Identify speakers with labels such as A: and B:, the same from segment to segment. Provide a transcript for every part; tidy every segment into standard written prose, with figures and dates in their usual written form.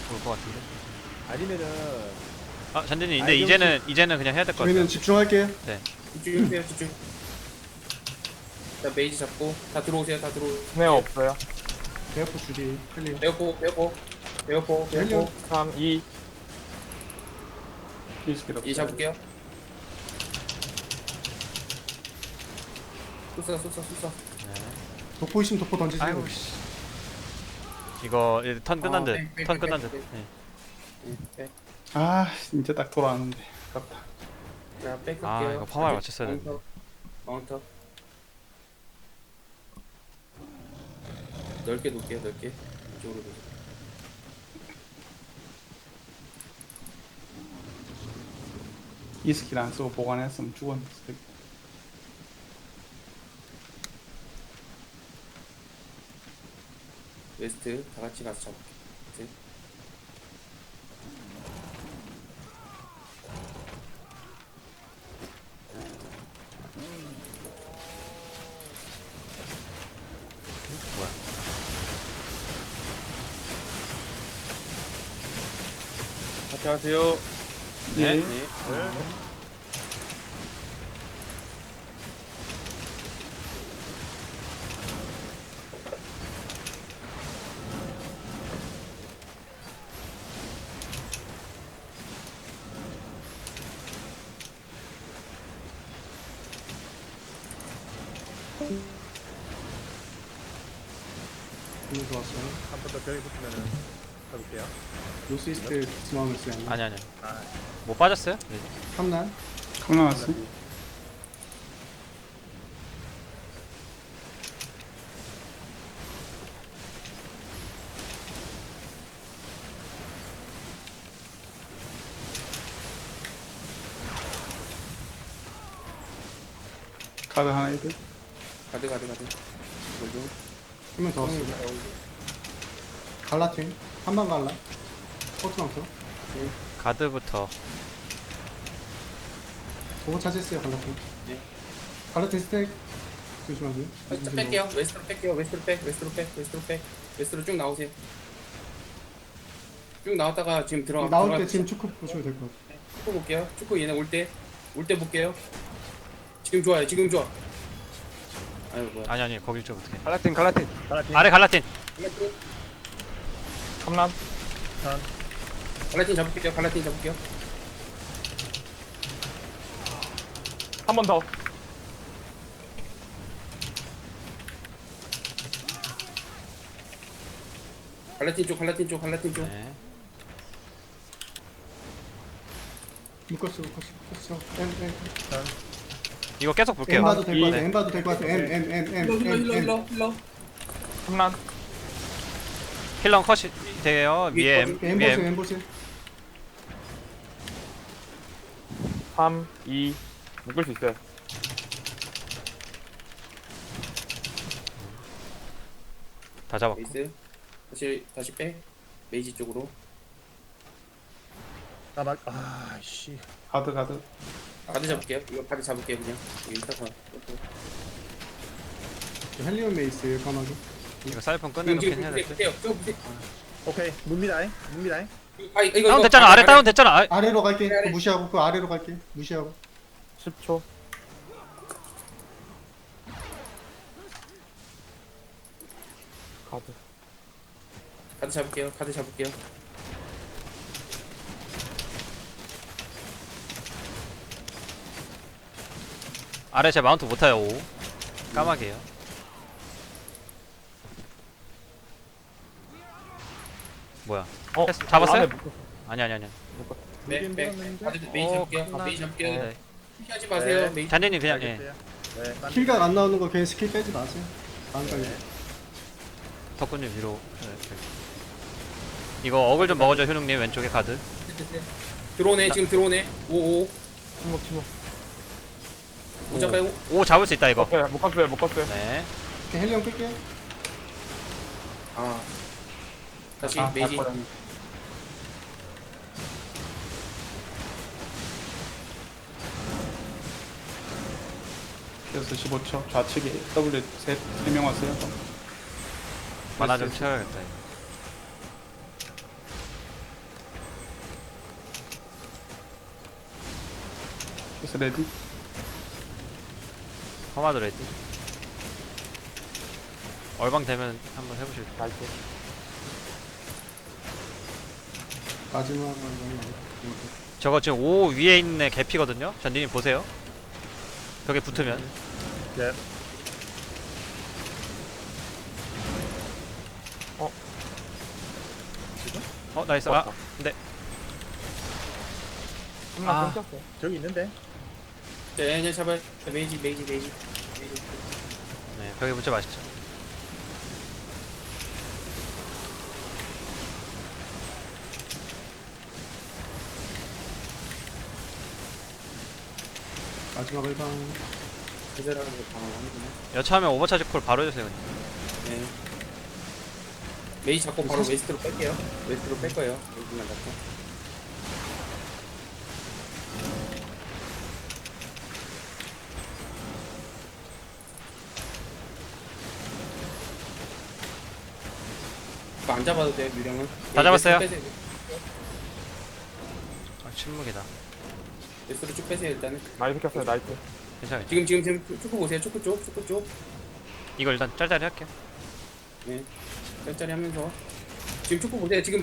A: 올 것 같은데.
B: 아니면은
A: 아 잔디님 근데 이제는 그냥 해야 될 것 같아요.
C: 저희는 집중할게요.
D: 집중해주세요 집중. 자 메이지 잡고 다 들어오세요 다 들어오.
E: 스네어 없어요.
C: 대학포 주디 클리어.
D: 베어포 베어포 베어포 베어포
E: 3, 2.
D: 이 잡을게요. 쏘
C: 독포 있으면 독포 던지세요.
A: 아이고 씨. 이거 이제 턴 끝난 듯. 턴 끝난 듯. 네.
F: 아 진짜 딱 돌아왔는데 아깝다.
D: 자 뺄게요.
A: 아 이거 파마를 맞췄어야 되는데.
D: 마운터 넓게 놓을게요 넓게 이쪽으로 놓으세요.
F: 이 스킬 안 쓰고 보관했으면 죽었을 때.
D: 웨스트 다 같이 가서 잡을게. 웨스트.
A: 뭐야?
E: 같이 하세요.
A: 네.
D: 네.
C: 너무 좋았어요.
B: 한 번 더 벽에 붙으면은 가볼게요.
C: 노스 이스트 중앙을 쓰요.
A: 아니.
B: 아,
A: 뭐 빠졌어요? 네.
C: 탐난.
F: 강 나왔어. 카드 하나 있대.
D: 가드 뭐죠?
C: 한명 더 왔어요. 갈라팀. 한방 갈라. 포트망토.
A: 가드부터.
C: 보고 차지했어요 갈라팀.
D: 네.
C: 갈라팀 스택. 조심하세요.
D: 살짝 뺄게요. 웨스트로 뺄게요. 웨스트로 쭉 나오세요. 쭉 나왔다가 지금
C: 나올 때 지금 축구 보시면 될 것 같아요.
D: 축구 볼게요. 축구 얘네 올 때 볼게요. 지금 좋아요. 지금 좋아. 아유 뭐야.
A: 아니 거길 좀 어떻게?
E: 갈라틴.
B: 갈라틴.
A: 아래 갈라틴.
E: 탐남.
D: 갈라틴 잡을게요.
E: 한 번 더.
D: 갈라틴 쪽.
A: 네.
C: 묶었어. M.
A: 이거 계속
C: M
A: 볼게요.
C: 봐도 될 것 같아.
A: 네.
C: M 봐도 될 것 같아. M.
E: 탐남.
A: 힐러 컷이 돼요. 위에 M.
C: M
A: 위에
C: 보세요.
A: M.
C: M 보세요.
E: 3, 2. 묶을 수 있어요.
A: 다 잡았고.
D: 메이스 다시 빼. 메이지 쪽으로.
B: 씨.
F: 가드.
D: 가드 잡을게요. 이거 가드 잡을게요 그냥. 여기 있다가.
C: 헬리온 메이스예요 까마귀.
A: 이거 사이폰 끝내놓긴 해야 될 듯.
B: 오케이. 묵미다잉.
D: 이거
A: 다운 됐잖아. 아래 다운 됐잖아. 아,
C: 아래로 갈게.
D: 아래.
C: 그거 무시하고 그 아래로 갈게. 무시하고.
E: 10초. 가드.
D: 가드 잡을게요.
A: 아래 제 마운트 못 타요. 5. 까마귀에요. 뭐야? 잡았어요?
E: 안에 묶었어.
A: 아니.
D: 네. 가드 메이지 잡을게요.
A: 네.
D: 피하지 마세요.
B: 네.
D: 메이지.
A: 잔디님 그냥 예.
B: 알겠어요. 네.
C: 킬각 안 나오는 거 괜히 스킬 빼지 마세요. 안 걸려.
A: 덕분님 위로. 네. 이거 어글 좀 먹어줘 효능님 왼쪽에 가드.
D: 들어오네. 지금 들어오네. 5
E: 침묵.
D: 잡아요.
A: 5 잡을 수 있다 이거.
E: 묶었어요.
A: 네.
C: 이렇게 헬리온 끌게요.
D: 아. 다시
F: 아,
D: 메이지.
F: 바꿔요. 그래서 15초 좌측에 W 3명 왔어요.
A: 만화 좀 채워야겠다 이거.
F: 피어스 레디.
A: 커마드 레디. 얼방 되면 한번 해보실게요.
E: 나이스.
C: 마지막
A: 저거 지금 5 위에 있는 애 개피거든요. 잔디님 보세요. 벽에 붙으면.
B: 예.
A: 나이스. 아, 근데
E: 3란
A: 아.
E: 끊겼어요.
B: 저기 있는데.
D: 네, 잡아요. 메이지.
A: 네, 벽에 붙자 맛있죠.
C: 마지막 일방.
D: 기절하는 거 방어하는구나.
A: 여차하면 오버차지 콜 바로 해주세요. 그냥.
D: 네. 메이 잡고 바로
C: 사실-
D: 웨스트로 뺄게요. 웨스트로 뺄 거예요. 메이지만 잡고. 이거 안 잡아도 돼요, 유령은.
A: 다 잡았어요?
D: 웨스트로 빼세요.
A: 아, 침묵이다.
D: 웨스트로 쭉 빼세요, 일단은.
E: 나이스 켰어요. 나이스.
A: 괜찮아요.
D: 지금 초코 보세요. 초코 쪽.
A: 이거 일단 짤짤이 할게요.
D: 네. 짤짤이 하면서. 지금 초코 보세요. 지금.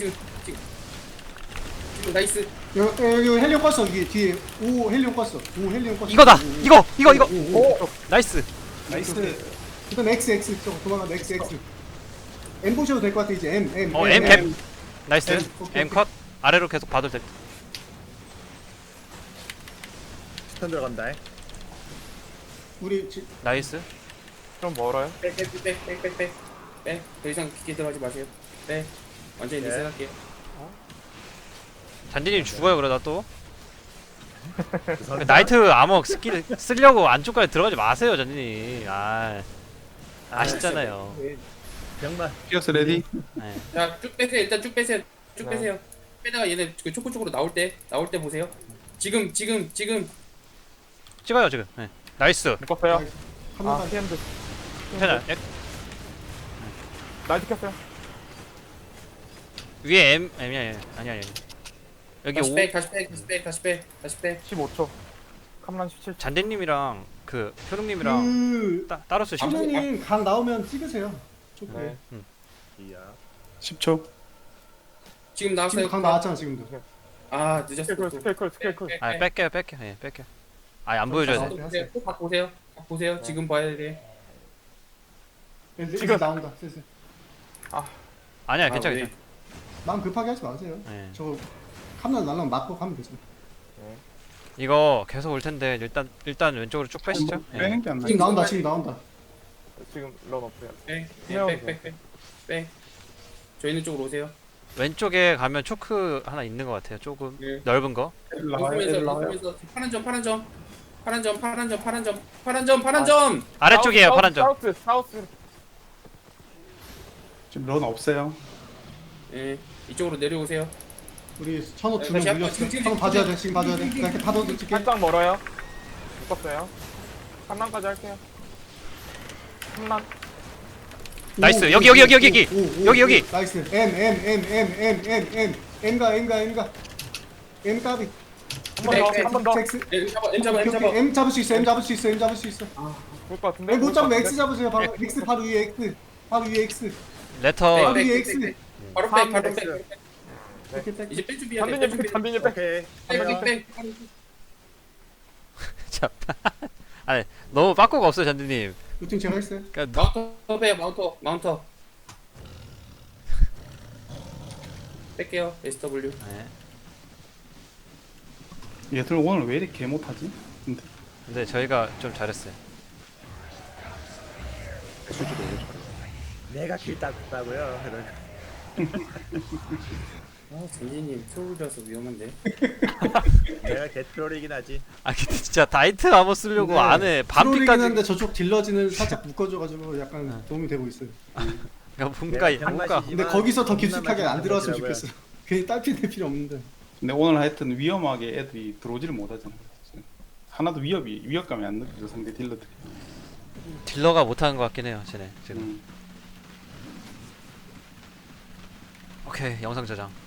D: 나이스.
C: 여기 헬리온 껐어. 여기 뒤에 5 헬리온 껐어. 5 헬리온 껐어.
A: 이거다. 이거.
C: 오.
A: 나이스.
C: 나이스. 그다음 X 저거 도망가 X. M 보셔도 될 것 같아 이제 M.
A: M. 나이스.
C: 오케이,
A: M 컷. 아래로 계속 봐도 될 듯.
B: 스턴 들어간다.
C: 우리
A: 나이스.
E: 좀 멀어요.
D: 빼. 더 이상 깊게 들어가지 마세요. 빼. 완전히
B: 네.
D: 리셋할게요.
A: 잔디님 죽어요 그러다 또. 나이트 아머 스킬 쓰려고 안쪽까지 들어가지 마세요 잔디님. 아쉽잖아요.
B: 병만.
F: 피어스 레디.
A: 네.
D: 자, 쭉 빼세요. 일단 쭉 빼세요. 쭉
E: 네.
D: 빼세요. 빼다가 얘네 그 초코 쪽으로 나올 때 보세요. 지금
A: 찍어요 지금. 네. 나이스.
E: 묶었어요.
C: 한
E: 아,
C: 번
E: 피엔드.
A: 괜찮아.
E: 나이스 켰어요.
A: 위에 M이 아니. 여기
D: 다시
A: 5
D: 빼.
E: 15초. 캄란 17초.
A: 잔디님이랑 그 효룡님이랑
C: 그
A: 따로 쓰시면
C: 신우님 강 나오면 찍으세요. 조금.
E: 네.
B: 이야.
F: 10초.
D: 지금 나왔어요.
C: 지금 강 나왔잖아 지금도.
D: 아, 늦었어.
E: 스케이클.
A: 뺄게요. 예, 뺄게요. 안 보여줘야 돼.
D: 각 보세요. 지금 봐야 돼.
C: 지금 나온다. 슬슬.
A: 아니야,
D: 아,
A: 괜찮아.
D: 왜?
C: 마음 급하게 하지 마세요.
A: 네.
C: 저 카메라 날라면 맞고 가면 되죠.
A: 이거 계속 올 텐데 일단 왼쪽으로 쭉 빼시죠. 예.
F: 빼는 게안 나.
C: 지금 나온다. 지금 나온다.
E: 지금 런 없어요.
D: 빼. 저희는 쪽으로 오세요.
A: 왼쪽에 가면 초크 하나 있는 것 같아요. 조금
D: 네.
A: 넓은 거.
D: 웃으면서 파란 점.
A: 아래쪽이에요, 파란 점.
E: 사우스.
F: 지금 런 없어요.
D: 예, 이쪽으로 내려오세요.
C: 우리 천호
D: 네,
C: 두명
D: 다시
C: 물렸어.
D: 지금
C: 한번 봐줘야 돼. 지금 봐줘야 돼. 나 이렇게 파도 찍게.
E: 살짝 멀어요. 묶었어요. 3란까지 할게요. 3란.
A: 나이스.
C: 오,
A: 여기.
C: 오,
A: 여기.
C: 나이스. M. M가. M 까비.
E: 한 번 더.
C: X.
D: M 잡아.
C: M 잡을 수 있어. M 잡을 수 있어.
E: 볼 것 같은데.
C: M 못 잡으면 X 잡으세요. 바로 X 바로 위에 X.
A: 레터
C: 바로 위에 X.
D: 바로 빼.
C: 이렇게 딱.
D: 이제 뺄 준비해야 돼.
E: 잔디님 빼.
B: 오케이.
D: 빼.
A: 자. 아니, 너무 빠꾸가 없어요, 잔디님.
C: 루팅 제가 했어요.
A: 그러니까
D: 마운터 빼. 마운터. 뺄게요. SW.
A: 네.
F: 얘들 오늘 왜 이렇게 개 못하지?
A: 근데 저희가 좀 잘했어요.
B: 내가 길 땄다고요.
D: 전진님 트롤이라서 위험한데.
B: 내가 개트롤이긴 하지.
A: 근데 진짜 다이트 아머 쓰려고
C: 네.
A: 안에
C: 트롤이긴
A: 반피까지
C: 한데 저쪽 딜러지는 살짝 묶어줘가지고 약간 도움이 되고 있어요.
A: 그러니까 뭔가
C: 근데 거기서 더 깊숙하게 안 들어왔으면
B: 하더라고요.
C: 좋겠어. 괜히 딸피 낼 필요 없는데.
F: 근데 오늘 하여튼 위험하게 애들이 들어오지를 못하잖아. 하나도 위협감이 안 느껴져 상대 딜러들이.
A: 딜러가 못하는 것 같긴 해요, 쟤네 지금. 오케이, 영상 저장.